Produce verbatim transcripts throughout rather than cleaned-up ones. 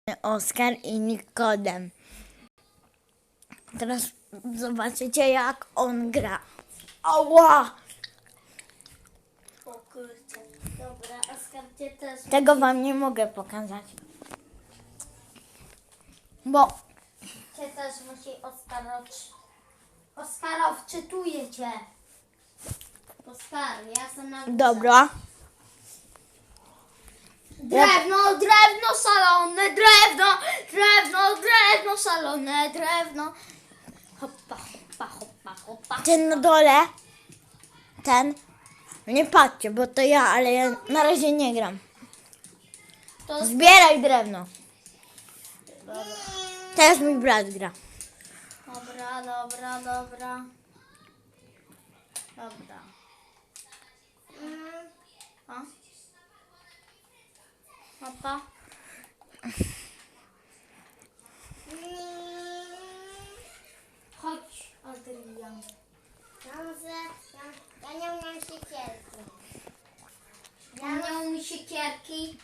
Oskar i Nikodem. Teraz zobaczycie, jak on gra. Ała! O kurczę. Dobra, Oskar cię też. Tego wam nie mogę pokazać. Bo Cię też musi Oskarow. Oskarow, czytuję cię. Oskar, ja jestem na górze. dobra. Drewno, drewno szalone, drewno, drewno, drewno szalone, drewno. Hoppa, hoppa, hoppa, hoppa. Ten na dole. Ten. Nie patrzcie, bo to ja, ale ja na razie nie gram. To Zbieraj drewno. Teraz mój brat gra. Dobra, dobra, dobra. Dobra. A? Papa? Chodź, Adrian. Ja nie umiem siekierki. Ja nie umiem siekierki.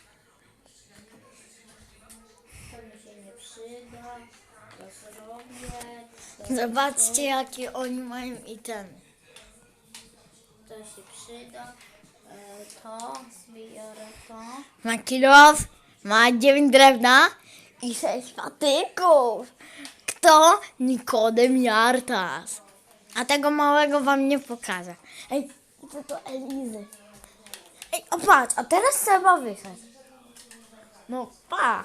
To mi się nie przyda. To zrobię. To Zobaczcie, jakie oni mają itemy. To się przyda. E, To zbiorę to. Ma kilof, ma dziewięć drewna i sześć patyków. Kto? Nikodem Jartas. A tego małego wam nie pokażę. Ej, to to Elizy. Ej, o patrz, a teraz trzeba wyjechać. No pa.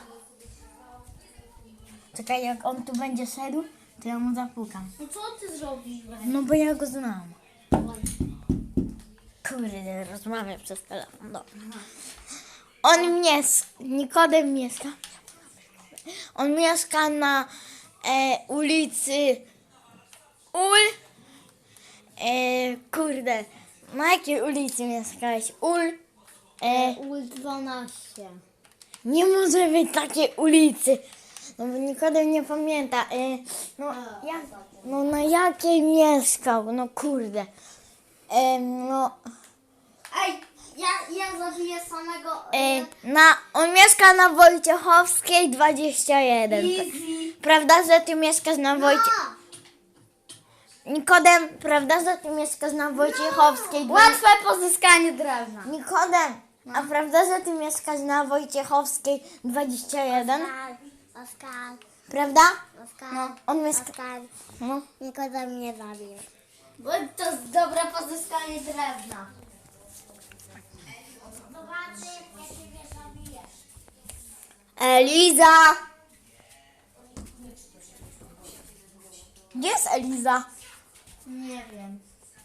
Czekaj, jak on tu będzie szedł, to ja mu zapukam. No co ty zrobiłeś? No bo ja go znam. Kurde, rozmawiam przez telefon. Dobra. On mieszka, Nikodem mieszka. On mieszka na e, ulicy Ul. E, kurde, na jakiej ulicy mieszkałeś? Ul. E, U dwanaście. nie może być takiej ulicy. No bo Nikodem nie pamięta. E, no, jak, no na jakiej mieszkał? No kurde. E, no. Ej, ja, ja zabiję samego. E, na, on mieszka na Wojciechowskiej dwadzieścia jeden. Easy. Prawda, że ty mieszkasz na Wojcie... No. Nikodem, prawda, że ty mieszkasz na Wojciechowskiej dwadzieścia... Łatwe pozyskanie drewna. Nikodem, a prawda, że ty mieszkasz na Wojciechowskiej dwadzieścia jeden? Oskar, Prawda? Oskar, No, on mieszka... Oskar, No. Nikodem mnie zabił. Bo to jest dobre pozyskanie drewna. Zobaczy, jak ciebie zabijesz. Eliza! Gdzie jest Eliza? Nie wiem.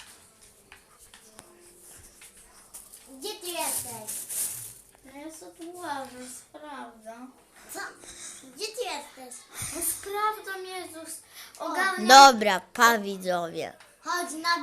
Gdzie ty jesteś? Ja sobie łażę, sprawdzam. Co? Gdzie ty jesteś? No sprawdzam, Jezus. Ogarniam. Dobra, pa widzowie. Chodź na